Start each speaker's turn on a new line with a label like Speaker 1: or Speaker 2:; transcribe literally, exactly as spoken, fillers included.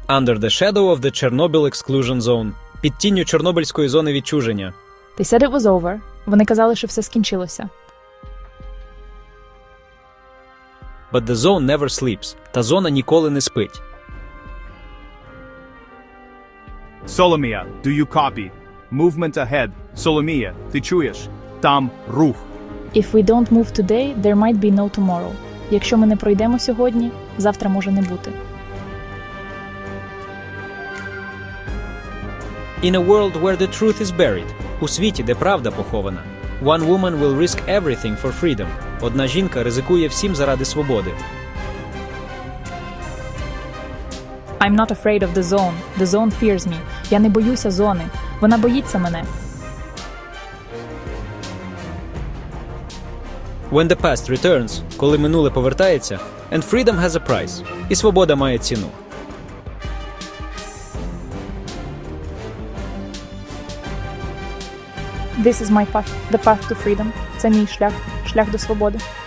Speaker 1: Under the shadow of the Chernobyl exclusion zone. Під тінню Чорнобильської зони відчуження.
Speaker 2: They said it was over. Вони казали, що все скінчилося.
Speaker 1: But the zone never sleeps. Та зона ніколи не спить.
Speaker 3: Соломія, do you copy? Movement ahead. Соломія, ти чуєш? Там рух.
Speaker 2: If we don't move today, there might be no tomorrow. Якщо ми не пройдемо сьогодні, завтра може не бути.
Speaker 1: In a world where the truth is buried. У світі, де правда похована. One woman will risk everything for freedom. Одна жінка ризикує всім заради свободи.
Speaker 2: I'm not afraid of the zone. The zone fears me. Я не боюся зони. Вона боїться мене.
Speaker 1: When the past returns, коли минуле повертається, and freedom has a price. І свобода має ціну.
Speaker 2: This is my path. The path to freedom. Це мій шлях. Шлях до свободи.